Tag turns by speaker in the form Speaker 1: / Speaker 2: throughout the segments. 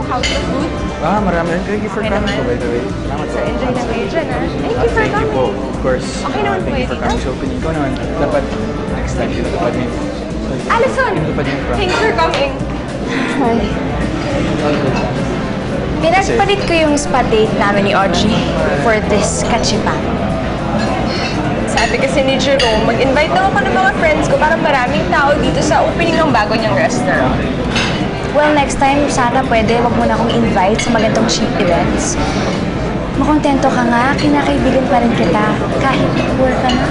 Speaker 1: how's the food?
Speaker 2: Marami rin. Thank you for coming po, by the way. Salamat po.
Speaker 1: So, enjoy na kayo dyan, ha? Thank you for
Speaker 2: Thank you po,
Speaker 1: coming.
Speaker 2: of course.
Speaker 1: Okay naman po
Speaker 2: Thank you for coming sa opening ko naman. Dapat next time tinatupad niyo.
Speaker 1: Alison!
Speaker 2: Tinatupad niyo yung prank.
Speaker 1: Thanks for coming.
Speaker 3: Hi. Pinagpalit ko yung spa date namin ni Audrey for this kachipan.
Speaker 1: Sabi kasi ni Jerome, mag-invite daw ako ng mga friends ko para maraming tao dito sa opening ng bago niyang restaurant.
Speaker 3: Well, next time, sana pwede wag mo na akong invite sa magandang cheap events. Makontento ka nga, kinakaibigan pa rin kita kahit poor ka na.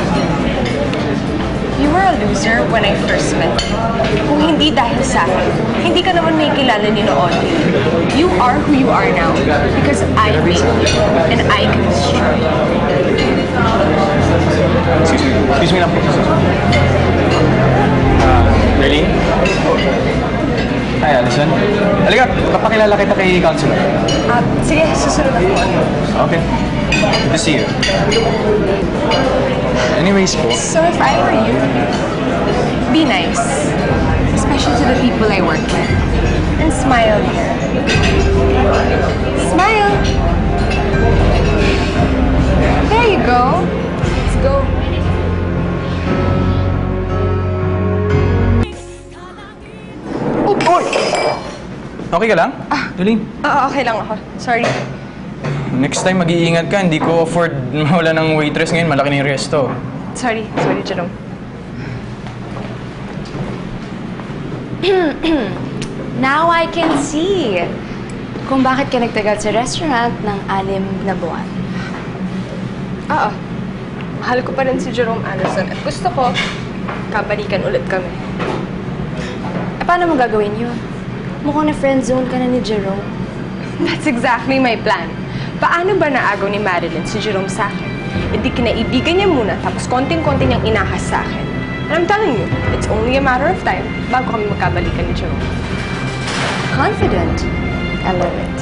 Speaker 1: You were a loser when I first met you. Kung hindi dahil sa akin, hindi ka naman may kilala ni Audrey. You are who you are now because I made you and I can destroy you.
Speaker 2: Excuse me lang po. Berlin? Hi, Alison. Halika, papakilala kita kay Counselor.
Speaker 1: Sige, susunod ako.
Speaker 2: Okay. Good to see you. Anyways po.
Speaker 1: So if I were you, be nice. Especially to the people I work with. And smile here. Smile! There you go. Let's go.
Speaker 2: Oy! Okay ka lang? Berlin?
Speaker 1: Oo, okay lang ako. Sorry.
Speaker 2: Next time mag-iingat ka, hindi ko afford mawala ng waitress ngayon, malaki na yung resto.
Speaker 1: Sorry, Jerome.
Speaker 3: Now I can see kung bakit ka nagtagal sa restaurant ng 6 na buwan.
Speaker 1: Oo. Mahal ko pa rin si Jerome Anderson at gusto ko, kabalikan ulit kami.
Speaker 3: Paano mo gagawin yun? Mukhang na friend zone ka na ni Jerome.
Speaker 1: That's exactly my plan. Paano ba naagaw ni Marilyn si Jerome sa akin? E di kinaibigan niya muna tapos konting-konti niyang inahas sa akin. And I'm telling you, it's only a matter of time bago kami magkabalikan ni Jerome.
Speaker 3: Confident. I love it.